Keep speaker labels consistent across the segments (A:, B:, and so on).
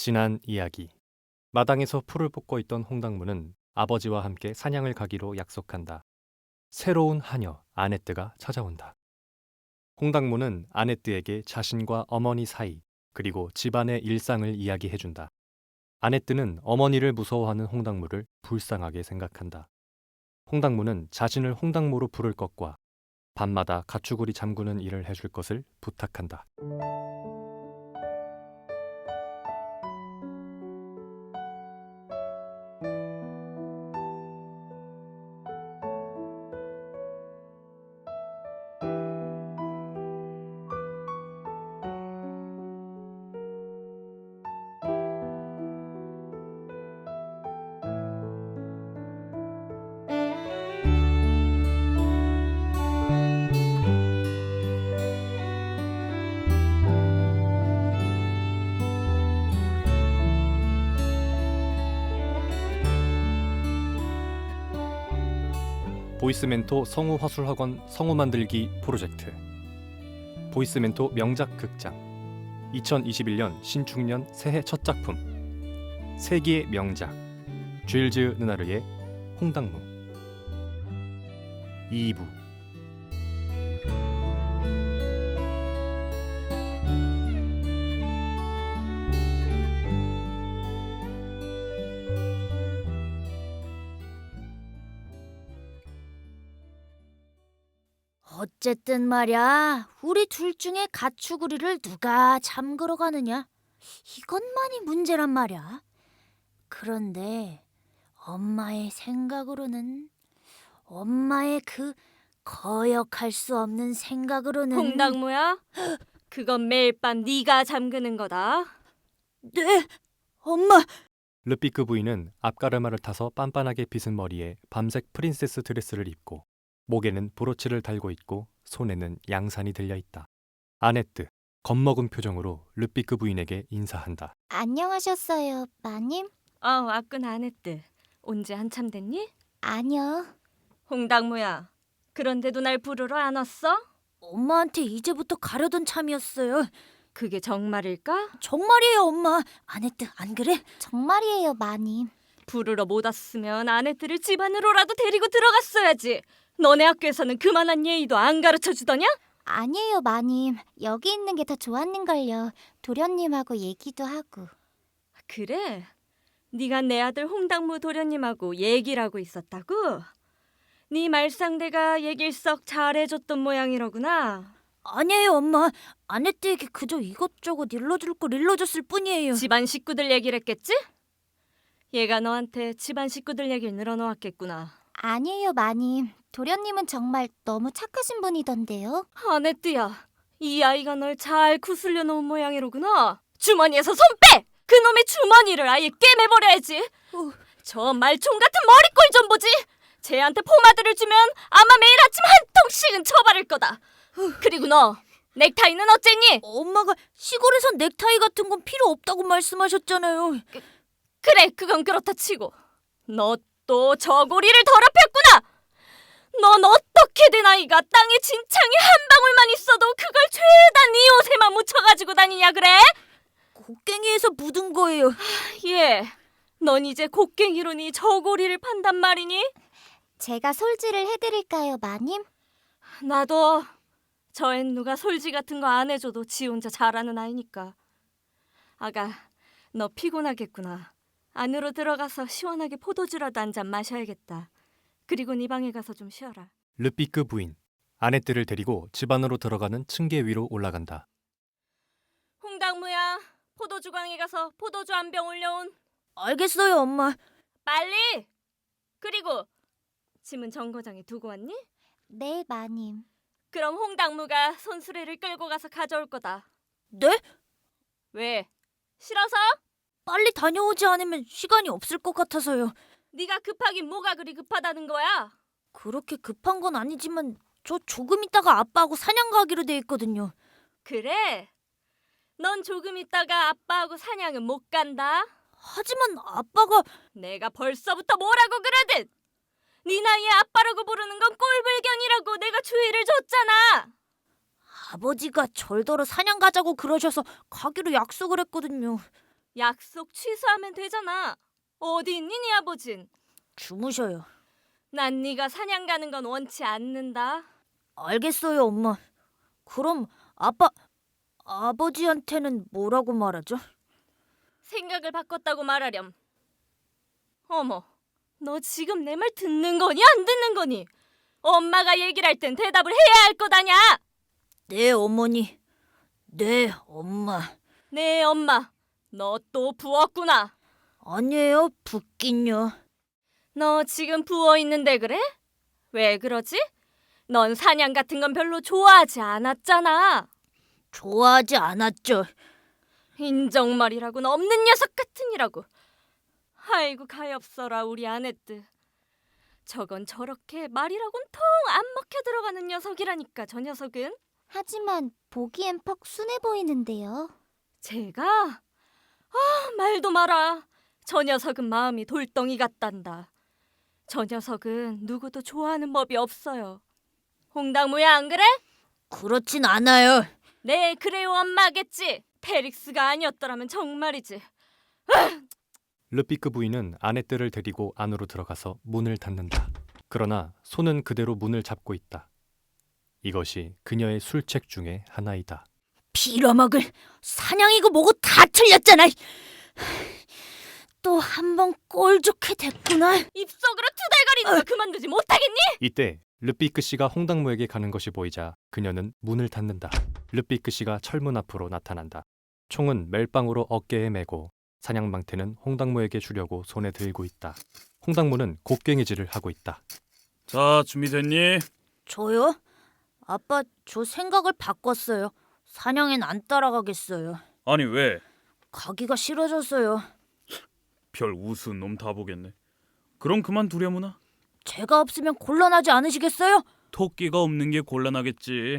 A: 지난 이야기. 마당에서 풀을 뽑고 있던 홍당무는 아버지와 함께 사냥을 가기로 약속한다. 새로운 하녀 아네뜨가 찾아온다. 홍당무는 아네뜨에게 자신과 어머니 사이 그리고 집안의 일상을 이야기해준다. 아네뜨는 어머니를 무서워하는 홍당무를 불쌍하게 생각한다. 홍당무는 자신을 홍당무로 부를 것과 밤마다 가축우리 잠그는 일을 해줄 것을 부탁한다. 보이스멘토 성우 화술학원 성우 만들기 프로젝트. 보이스멘토 명작 극장 2021년 신축년 새해 첫 작품 세기의 명작 쥐일즈 느나르의 홍당무 2부.
B: 어쨌든 말야, 우리 둘 중에 가축우리를 누가 잠그러 가느냐? 이것만이 문제란 말야. 그런데 엄마의 생각으로는, 엄마의 그 거역할 수 없는 생각으로는
C: 홍당무야? 그건 매일 밤 네가 잠그는 거다.
B: 네, 엄마.
A: 르피크 부인은 앞가르마를 타서 빤빤하게 빗은 머리에 밤색 프린세스 드레스를 입고 목에는 브로치를 달고 있고 손에는 양산이 들려있다. 아네뜨 겁먹은 표정으로 르피크 부인에게 인사한다.
B: 안녕하셨어요, 마님?
C: 와끈 아네뜨. 온지 한참 됐니?
B: 아니요.
C: 홍당무야. 그런데도 날 부르러 안 왔어?
B: 엄마한테 이제부터 가려던 참이었어요.
C: 그게 정말일까?
B: 정말이에요, 엄마. 아네뜨, 안 그래? 정말이에요, 마님.
C: 부르러 못 왔으면 아네뜨를 집 안으로라도 데리고 들어갔어야지. 너네 학교에서는 그만한 예의도 안 가르쳐주더냐?
B: 아니에요, 마님. 여기 있는 게 더 좋았는걸요. 도련님하고 얘기도 하고.
C: 그래? 네가 내 아들 홍당무 도련님하고 얘기를 하고 있었다고? 네 말상대가 얘길 썩 잘해줬던 모양이로구나.
B: 아니에요, 엄마. 아네뜨에게 그저 이것저것 일러줄 걸 일러줬을 뿐이에요.
C: 집안 식구들 얘기를 했겠지? 얘가 너한테 집안 식구들 얘기를 늘어놓았겠구나.
B: 아니에요, 마님. 도련님은 정말 너무 착하신 분이던데요.
C: 아네뜨야, 이 아이가 널 잘 구슬려 놓은 모양이로구나. 주머니에서 손 빼! 그놈의 주머니를 아예 꿰매버려야지. 저 말총 같은 머리꼴 좀 보지. 쟤한테 포마드를 주면 아마 매일 아침 한 통씩은 쳐바를 거다. 그리고 너 넥타이는 어쨌니?
B: 엄마가 시골에선 넥타이 같은 건 필요 없다고 말씀하셨잖아요.
C: 그래, 그건 그렇다 치고 너 또 저고리를 더럽혔구나. 넌 어떻게든 아이가 땅에 진창이 한 방울만 있어도 그걸 죄다 네 옷에만 묻혀가지고 다니냐 그래?
B: 곡괭이에서 묻은 거예요.
C: 예, 넌 이제 곡괭이로 네 저고리를 판단 말이니?
B: 제가 솔질을 해드릴까요, 마님?
C: 나도 저엔 누가 솔지 같은 거 안 해줘도 지 혼자 잘하는 아이니까. 아가, 너 피곤하겠구나. 안으로 들어가서 시원하게 포도주라도 한 잔 마셔야겠다. 그리고 네 방에 가서 좀 쉬어라.
A: 르피크 부인 아네뜨를 데리고 집 안으로 들어가는 층계 위로 올라간다.
C: 홍당무야, 포도주광에 가서 포도주 한 병 올려온.
B: 알겠어요, 엄마.
C: 빨리! 그리고 짐은 정거장에 두고 왔니?
B: 네, 마님.
C: 그럼 홍당무가 손수레를 끌고 가서 가져올 거다.
B: 네?
C: 왜? 싫어서?
B: 빨리 다녀오지 않으면 시간이 없을 것 같아서요.
C: 네가 급하긴 뭐가 그리 급하다는 거야?
B: 그렇게 급한 건 아니지만 저 조금 있다가 아빠하고 사냥 가기로 돼 있거든요.
C: 그래? 넌 조금 있다가 아빠하고 사냥은 못 간다.
B: 하지만 아빠가
C: 내가 벌써부터 뭐라고 그러든 네 나이에 아빠라고 부르는 건 꼴불견이라고 내가 주의를 줬잖아.
B: 아버지가 절더러 사냥 가자고 그러셔서 가기로 약속을 했거든요.
C: 약속 취소하면 되잖아. 어디 있니 네 아버진?
D: 주무셔요.
C: 난 네가 사냥 가는 건 원치 않는다.
D: 알겠어요, 엄마. 그럼 아버지한테는 뭐라고 말하죠?
C: 생각을 바꿨다고 말하렴. 어머, 너 지금 내 말 듣는 거니 안 듣는 거니? 엄마가 얘기를 할 땐 대답을 해야 할 거다냐?
D: 네, 어머니. 네, 엄마.
C: 네 엄마, 너 또 부었구나.
D: 아니에요, 붓긴요.
C: 너 지금 부어 있는데 그래? 왜 그러지? 넌 사냥 같은 건 별로 좋아하지 않았잖아.
D: 좋아하지 않았죠.
C: 인정말이라고는 없는 녀석 같으니라고. 아이고 가엾어라 우리 아내뜨. 저건 저렇게 말이라곤 통 안 먹혀 들어가는 녀석이라니까 저 녀석은.
B: 하지만 보기엔 퍽 순해 보이는데요.
C: 제가? 말도 마라. 저 녀석은 마음이 돌덩이 같단다. 저 녀석은 누구도 좋아하는 법이 없어요. 홍당무야 안 그래?
D: 그렇진 않아요.
C: 네 그래요 엄마겠지. 페릭스가 아니었더라면 정말이지.
A: 르피크 부인은 아네뜨를 데리고 안으로 들어가서 문을 닫는다. 그러나 손은 그대로 문을 잡고 있다. 이것이 그녀의 술책 중에 하나이다.
D: 빌어먹을 사냥이고 뭐고 다 틀렸잖아. 또 한 번 꼴 좋게 됐구나.
C: 입속으로 투덜거리는 거 그만두지 못하겠니?
A: 이때 르피크 씨가 홍당무에게 가는 것이 보이자 그녀는 문을 닫는다. 르피크 씨가 철문 앞으로 나타난다. 총은 멜빵으로 어깨에 메고 사냥망태는 홍당무에게 주려고 손에 들고 있다. 홍당무는 곡괭이질을 하고 있다.
E: 자, 준비됐니?
D: 저요? 아빠, 저 생각을 바꿨어요. 사냥엔 안 따라가겠어요.
E: 아니 왜?
D: 가기가 싫어졌어요.
E: 별 우스운 놈 다 보겠네. 그럼 그만두려무나?
D: 제가 없으면 곤란하지 않으시겠어요?
E: 토끼가 없는 게 곤란하겠지.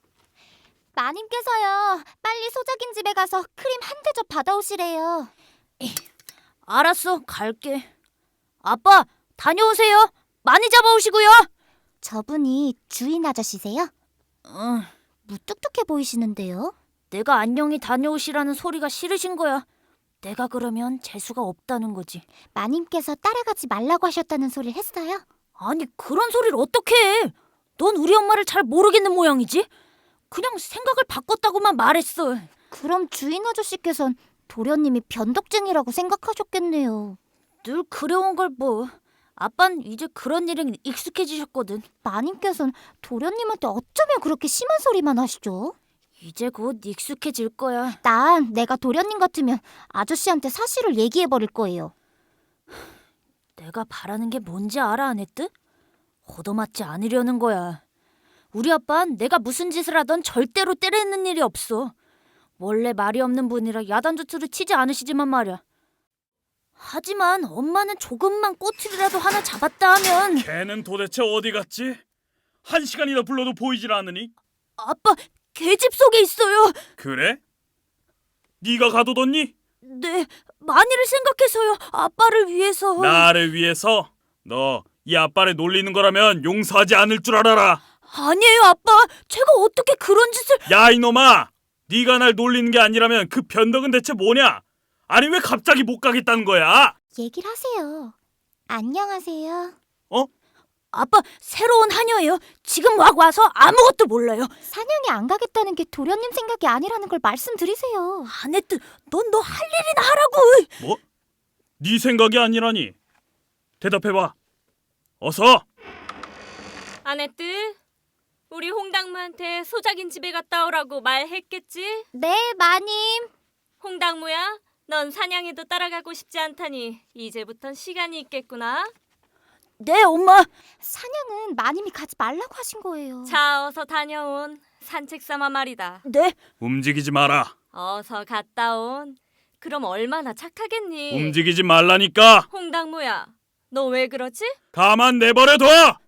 B: 마님께서요. 빨리 소작인 집에 가서 크림 한 대접 받아오시래요.
D: 알았어, 갈게. 아빠, 다녀오세요. 많이 잡아오시고요.
B: 저분이 주인 아저씨세요?
D: 응,
B: 무뚝뚝해 보이시는데요.
D: 내가 안녕히 다녀오시라는 소리가 싫으신 거야. 내가 그러면 재수가 없다는 거지.
B: 마님께서 따라가지 말라고 하셨다는 소리를 했어요?
D: 아니, 그런 소리를 어떻게 해? 넌 우리 엄마를 잘 모르겠는 모양이지? 그냥 생각을 바꿨다고만 말했어.
B: 그럼 주인 아저씨께선 도련님이 변덕쟁이라고 생각하셨겠네요.
D: 늘 그래온 걸 뭐. 아빤 이제 그런 일에 익숙해지셨거든.
B: 마님께선 도련님한테 어쩌면 그렇게 심한 소리만 하시죠?
D: 이제 곧 익숙해질 거야.
B: 난 내가 도련님 같으면 아저씨한테 사실을 얘기해버릴 거예요.
D: 내가 바라는 게 뭔지 알아, 아네뜨? 얻어맞지 않으려는 거야. 우리 아빠는 내가 무슨 짓을 하던 절대로 때리는 일이 없어. 원래 말이 없는 분이라 야단조투를 치지 않으시지만 말이야. 하지만 엄마는 조금만 꼬투리라도 하나 잡았다 하면
E: 걔는 도대체 어디 갔지? 1시간이나 불러도 보이질 않으니?
D: 아빠, 계집 속에 있어요.
E: 그래? 네가 가둬뒀니?
D: 네, 만일을 생각해서요. 아빠를 위해서.
E: 나를 위해서? 너 이 아빠를 놀리는 거라면 용서하지 않을 줄 알아라.
D: 아니에요, 아빠. 제가 어떻게 그런 짓을...
E: 야 이놈아! 네가 날 놀리는 게 아니라면 그 변덕은 대체 뭐냐? 아니 왜 갑자기 못 가겠다는 거야?
B: 얘기를 하세요. 안녕하세요.
D: 아빠, 새로운 하녀예요. 지금 막 와서 아무것도 몰라요.
B: 사냥에 안 가겠다는 게 도련님 생각이 아니라는 걸 말씀드리세요.
D: 아네뜨, 넌 너 할 일이나 하라고.
E: 뭐? 네 생각이 아니라니. 대답해봐. 어서.
C: 아네뜨, 우리 홍당무한테 소작인 집에 갔다 오라고 말했겠지?
B: 네, 마님.
C: 홍당무야, 넌 사냥에도 따라가고 싶지 않다니 이제부턴 시간이 있겠구나.
D: 네, 엄마.
B: 사냥은 마님이 가지 말라고 하신 거예요.
C: 자, 어서 다녀온. 산책 삼아 말이다.
D: 네,
E: 움직이지 마라.
C: 어서 갔다 온. 그럼 얼마나 착하겠니?
E: 움직이지 말라니까.
C: 홍당무야, 너 왜 그러지?
E: 가만 내버려둬.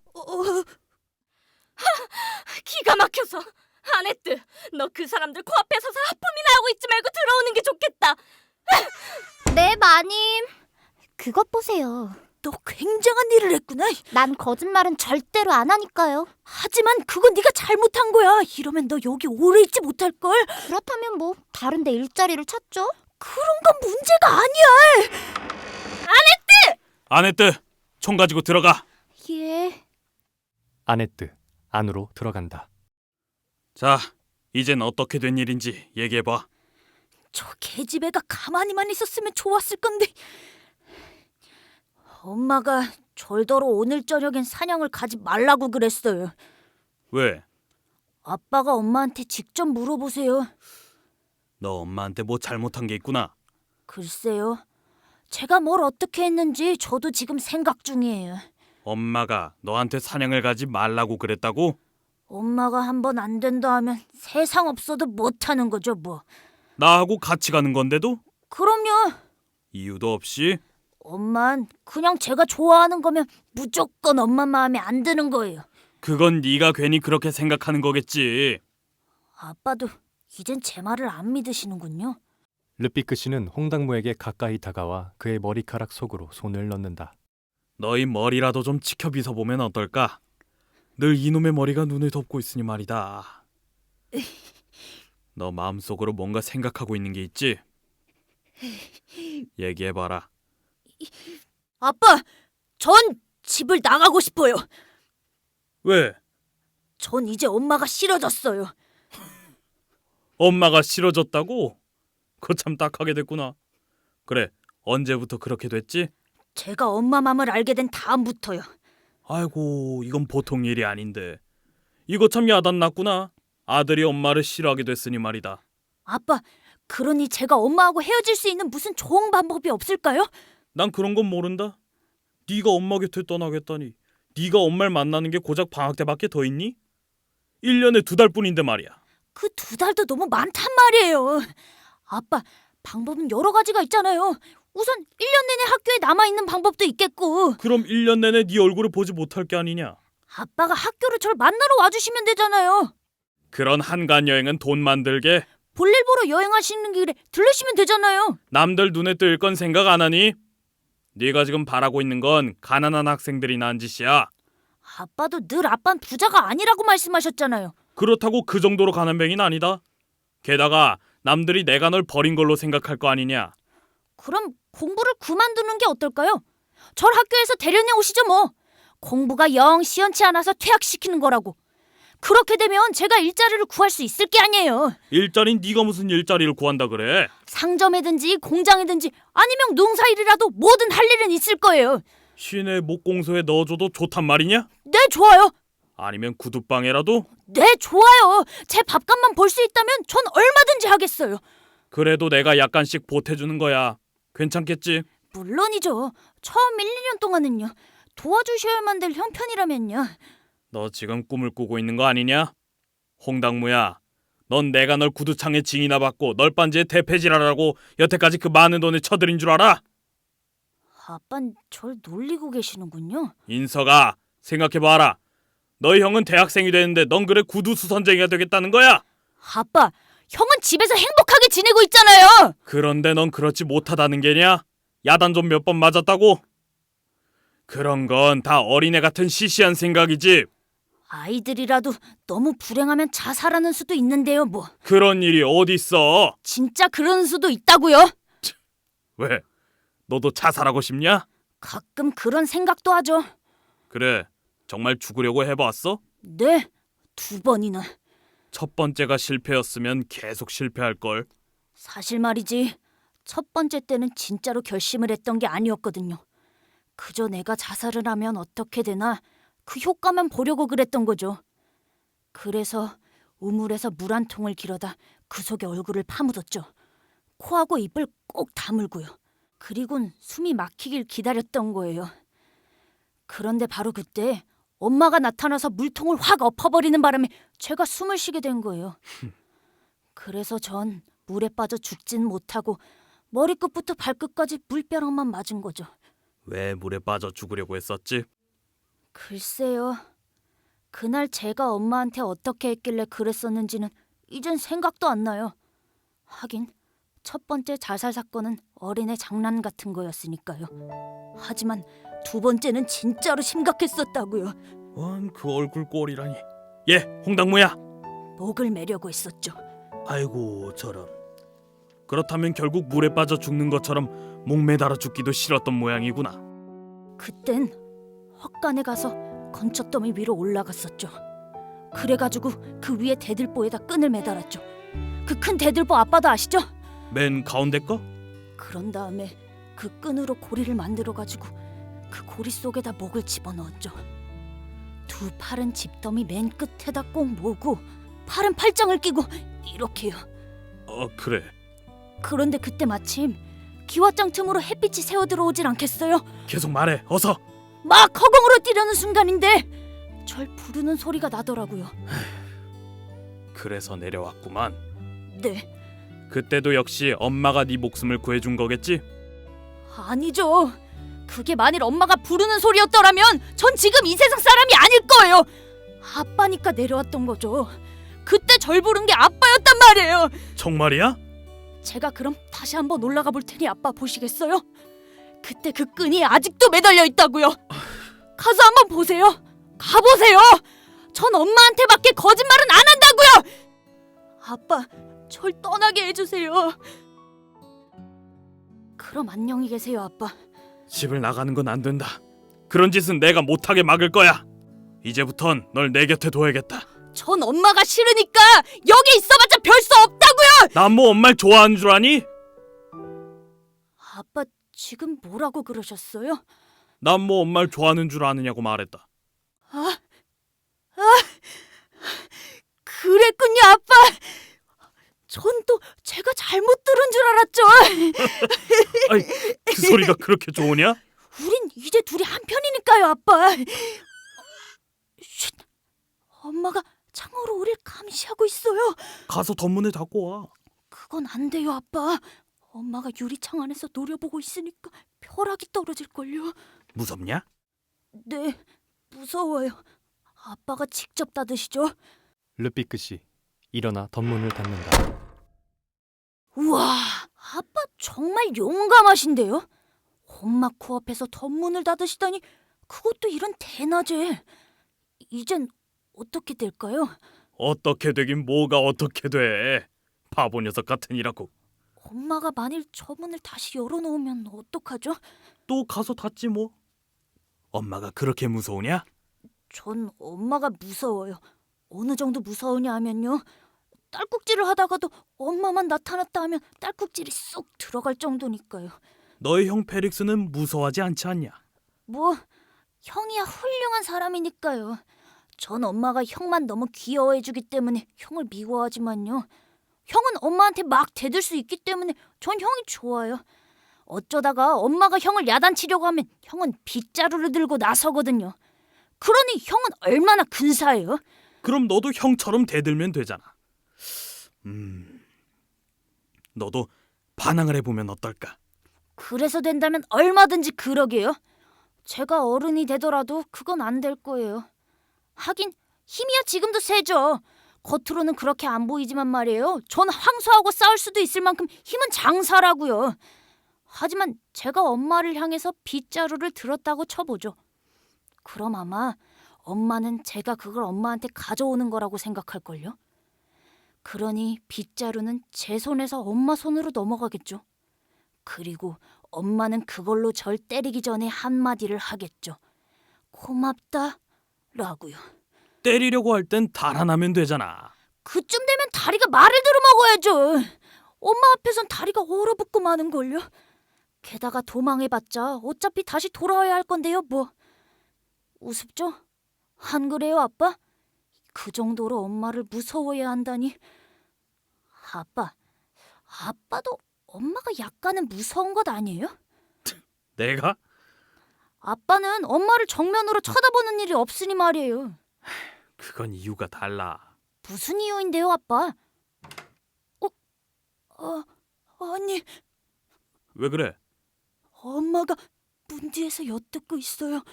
C: 기가 막혀서. 아네뜨, 너 그 사람들 코앞에 서서 하품이나 하고 있지 말고 들어오는 게 좋겠다.
B: 네, 마님. 그것 보세요.
D: 너 굉장한 일을 했구나.
B: 난 거짓말은 절대로 안 하니까요.
D: 하지만 그건 네가 잘못한 거야. 이러면 너 여기 오래 있지 못할걸.
B: 그렇다면 뭐 다른 데 일자리를 찾죠?
D: 그런 건 문제가 아니야.
E: 아네트, 총 가지고 들어가.
B: 예.
A: 아네트 안으로 들어간다.
E: 자, 이젠 어떻게 된 일인지 얘기해봐.
D: 저 계집애가 가만히만 있었으면 좋았을 건데. 엄마가 절더러 오늘 저녁엔 사냥을 가지 말라고 그랬어요.
E: 왜?
D: 아빠가 엄마한테 직접 물어보세요.
E: 너 엄마한테 뭐 잘못한 게 있구나.
D: 글쎄요. 제가 뭘 어떻게 했는지 저도 지금 생각 중이에요.
E: 엄마가 너한테 사냥을 가지 말라고 그랬다고?
D: 엄마가 한번 안 된다 하면 세상 없어도 못하는 거죠 뭐.
E: 나하고 같이 가는 건데도?
D: 그럼요.
E: 이유도 없이?
D: 엄만 그냥 제가 좋아하는 거면 무조건 엄마 마음에 안 드는 거예요.
E: 그건 네가 괜히 그렇게 생각하는 거겠지.
D: 아빠도 이젠 제 말을 안 믿으시는군요.
A: 르피크 씨는 홍당무에게 가까이 다가와 그의 머리카락 속으로 손을 넣는다.
E: 너희 머리라도 좀 지켜 빗어보면 어떨까? 늘 이놈의 머리가 눈을 덮고 있으니 말이다. 너 마음속으로 뭔가 생각하고 있는 게 있지? 얘기해봐라.
D: 아빠, 전 집을 나가고 싶어요.
E: 왜?
D: 전 이제 엄마가 싫어졌어요.
E: 엄마가 싫어졌다고? 그거 참 딱하게 됐구나. 그래, 언제부터 그렇게 됐지?
D: 제가 엄마 마음을 알게 된 다음부터요.
E: 아이고, 이건 보통 일이 아닌데. 이거 참 야단났구나. 아들이 엄마를 싫어하게 됐으니 말이다.
D: 아빠, 그러니 제가 엄마하고 헤어질 수 있는 무슨 좋은 방법이 없을까요?
E: 난 그런 건 모른다. 네가 엄마 곁에 떠나겠다니. 네가 엄마를 만나는 게 고작 방학 때밖에 더 있니? 1년에 2달뿐인데 말이야.
D: 그 2달도 너무 많단 말이에요. 아빠, 방법은 여러 가지가 있잖아요. 우선 1년 내내 학교에 남아있는 방법도 있겠고.
E: 그럼 1년 내내 네 얼굴을 보지 못할 게 아니냐?
D: 아빠가 학교로 절 만나러 와주시면 되잖아요.
E: 그런 한간 여행은 돈 만들게.
D: 볼일 보러 여행하시는 길에 들르시면 되잖아요.
E: 남들 눈에 뜰 건 생각 안 하니? 네가 지금 바라고 있는 건 가난한 학생들이 난 짓이야.
D: 아빠도 늘 아빠는 부자가 아니라고 말씀하셨잖아요.
E: 그렇다고 그 정도로 가난뱅이는 아니다. 게다가 남들이 내가 널 버린 걸로 생각할 거 아니냐?
D: 그럼 공부를 그만두는 게 어떨까요? 절 학교에서 데려내 오시죠 뭐. 공부가 영 시원치 않아서 퇴학시키는 거라고. 그렇게 되면 제가 일자리를 구할 수 있을 게 아니에요.
E: 일자리는 네가 무슨 일자리를 구한다 그래?
D: 상점이든지 공장이든지 아니면 농사일이라도 뭐든 할 일은 있을 거예요.
E: 시내 목공소에 넣어줘도 좋단 말이냐?
D: 네, 좋아요.
E: 아니면 구두방에라도?
D: 네, 좋아요. 제 밥값만 벌 수 있다면 전 얼마든지 하겠어요.
E: 그래도 내가 약간씩 보태주는 거야. 괜찮겠지?
D: 물론이죠. 처음 1, 2년 동안은요. 도와주셔야만 될 형편이라면요.
E: 너 지금 꿈을 꾸고 있는 거 아니냐? 홍당무야, 넌 내가 널 구두창에 징이나 받고 널빤지에 대패질하라고 여태까지 그 많은 돈을 쳐들인 줄 알아?
D: 아빤 절 놀리고 계시는군요.
E: 인서가, 생각해봐라. 너희 형은 대학생이 되는데 넌 그래 구두 수선쟁이가 되겠다는 거야?
D: 아빠, 형은 집에서 행복하게 지내고 있잖아요.
E: 그런데 넌 그렇지 못하다는 게냐? 야단 좀 몇 번 맞았다고? 그런 건 다 어린애 같은 시시한 생각이지.
D: 아이들이라도 너무 불행하면 자살하는 수도 있는데요, 뭐.
E: 그런 일이 어딨어?
D: 진짜 그런 수도 있다고요?
E: 왜? 너도 자살하고 싶냐?
D: 가끔 그런 생각도 하죠.
E: 그래, 정말 죽으려고 해봤어?
D: 네, 2번이나.
E: 첫 번째가 실패였으면 계속 실패할걸.
D: 사실 말이지, 첫 번째 때는 진짜로 결심을 했던 게 아니었거든요. 그저 내가 자살을 하면 어떻게 되나 그 효과만 보려고 그랬던 거죠. 그래서 우물에서 물 한 통을 길어다 그 속에 얼굴을 파묻었죠. 코하고 입을 꼭 다물고요. 그리곤 숨이 막히길 기다렸던 거예요. 그런데 바로 그때 엄마가 나타나서 물통을 확 엎어버리는 바람에 제가 숨을 쉬게 된 거예요. 그래서 전 물에 빠져 죽진 못하고 머리끝부터 발끝까지 물벼락만 맞은 거죠.
E: 왜 물에 빠져 죽으려고 했었지?
D: 글쎄요. 그날 제가 엄마한테 어떻게 했길래 그랬었는지는 이젠 생각도 안 나요. 하긴 첫 번째 자살 사건은 어린애 장난 같은 거였으니까요. 하지만 2번째는 진짜로 심각했었다고요.
E: 그 얼굴 꼴이라니. 예, 홍당무야.
D: 목을 매려고 했었죠.
E: 아이고 저런. 그렇다면 결국 물에 빠져 죽는 것처럼 목매달아 죽기도 싫었던 모양이구나.
D: 그땐 헛간에 가서 건초더미 위로 올라갔었죠. 그래가지고 그 위에 대들보에다 끈을 매달았죠. 그 큰 대들보 아빠도 아시죠?
E: 맨 가운데 거?
D: 그런 다음에 그 끈으로 고리를 만들어가지고 그 고리 속에다 목을 집어넣었죠. 두 팔은 집더미 맨 끝에다 꼭 모으고 팔은 팔짱을 끼고 이렇게요.
E: 그래.
D: 그런데 그때 마침 기와장 틈으로 햇빛이 새어 들어오질 않겠어요?
E: 계속 말해. 어서.
D: 막 허공으로 뛰려는 순간인데 절 부르는 소리가 나더라고요.
E: 그래서 내려왔구만.
D: 네,
E: 그때도 역시 엄마가 네 목숨을 구해준 거겠지?
D: 아니죠. 그게 만일 엄마가 부르는 소리였더라면 전 지금 이 세상 사람이 아닐 거예요. 아빠니까 내려왔던 거죠. 그때 절 부른 게 아빠였단 말이에요.
E: 정말이야?
D: 제가 그럼 다시 한번 올라가 볼 테니 아빠 보시겠어요? 그때 그 끈이 아직도 매달려 있다고요. 가서 한번 보세요. 가보세요. 전 엄마한테밖에 거짓말은 안 한다고요. 아빠, 절 떠나게 해주세요. 그럼 안녕히 계세요, 아빠.
E: 집을 나가는 건 안 된다. 그런 짓은 내가 못하게 막을 거야. 이제부턴 널 내 곁에 둬야겠다.
D: 전 엄마가 싫으니까 여기 있어봤자 별 수 없다고요.
E: 난 뭐 엄마를 좋아하는 줄 아니?
D: 아빠 지금 뭐라고 그러셨어요?
E: 난 뭐 엄마를 좋아하는 줄 아느냐고 말했다.
D: 그랬군요, 아빠. 전 또 제가 잘못 들은 줄 알았죠.
E: 아이, 그 소리가 그렇게 좋으냐?
D: 우린 이제 둘이 한편이니까요, 아빠. 쉿. 엄마가 창으로 우릴 감시하고 있어요.
E: 가서 덧문에 닫고 와.
D: 그건 안 돼요, 아빠. 엄마가 유리창 안에서 노려보고 있으니까 벼락이 떨어질걸요.
E: 무섭냐?
D: 네, 무서워요. 아빠가 직접 닫으시죠?
A: 르비크 씨 일어나 덧문을 닫는다.
D: 우와, 아빠 정말 용감하신데요? 엄마 코앞에서 덧문을 닫으시다니, 그것도 이런 대낮에. 이젠 어떻게 될까요?
E: 어떻게 되긴 뭐가 어떻게 돼. 바보 녀석 같으니라고.
D: 엄마가 만일 저 문을 다시 열어놓으면 어떡하죠?
E: 또 가서 닫지 뭐. 엄마가 그렇게 무서우냐?
D: 전 엄마가 무서워요. 어느 정도 무서우냐 하면요, 딸꾹질을 하다가도 엄마만 나타났다 하면 딸꾹질이 쏙 들어갈 정도니까요.
E: 너의 형 페릭스는 무서워하지 않지 않냐?
D: 뭐, 형이야 훌륭한 사람이니까요. 전 엄마가 형만 너무 귀여워해주기 때문에 형을 미워하지만요, 형은 엄마한테 막 대들 수 있기 때문에 전 형이 좋아요. 어쩌다가 엄마가 형을 야단치려고 하면 형은 빗자루를 들고 나서거든요. 그러니 형은 얼마나 근사해요.
E: 그럼 너도 형처럼 대들면 되잖아. 너도 반항을 해보면 어떨까?
D: 그래서 된다면 얼마든지 그러게요. 제가 어른이 되더라도 그건 안 될 거예요. 하긴 힘이야 지금도 세죠. 겉으로는 그렇게 안 보이지만 말이에요, 전 황소하고 싸울 수도 있을 만큼 힘은 장사라고요. 하지만 제가 엄마를 향해서 빗자루를 들었다고 쳐보죠. 그럼 아마 엄마는 제가 그걸 엄마한테 가져오는 거라고 생각할걸요. 그러니 빗자루는 제 손에서 엄마 손으로 넘어가겠죠. 그리고 엄마는 그걸로 절 때리기 전에 한마디를 하겠죠. 고맙다 라고요.
E: 때리려고 할 땐 달아나면 되잖아.
D: 그쯤 되면 다리가 말을 들어먹어야죠. 엄마 앞에선 다리가 얼어붙고 마는걸요. 게다가 도망해봤자 어차피 다시 돌아와야 할 건데요, 뭐. 우습죠? 안 그래요, 아빠? 그 정도로 엄마를 무서워해야 한다니. 아빠도 엄마가 약간은 무서운 것 아니에요?
E: 내가?
D: 아빠는 엄마를 정면으로 쳐다보는 일이 없으니 말이에요.
E: 그건 이유가 달라.
D: 무슨 이유인데요, 아빠? 아니,
E: 왜 그래?
D: 엄마가 문 뒤에서 엿듣고 있어요.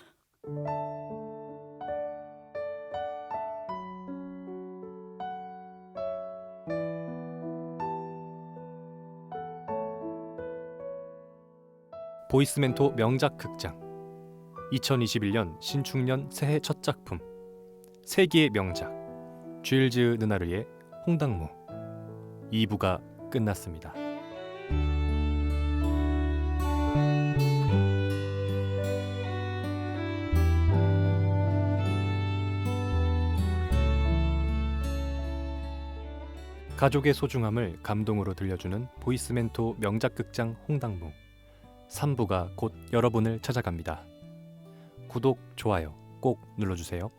A: 보이스멘토 명작 극장 2021년 신축년 새해 첫 작품 세기의 명작 쥐일즈 느나르의 홍당무 2부가 끝났습니다. 가족의 소중함을 감동으로 들려주는 보이스멘토 명작극장 홍당무 3부가 곧 여러분을 찾아갑니다. 구독, 좋아요 꼭 눌러주세요.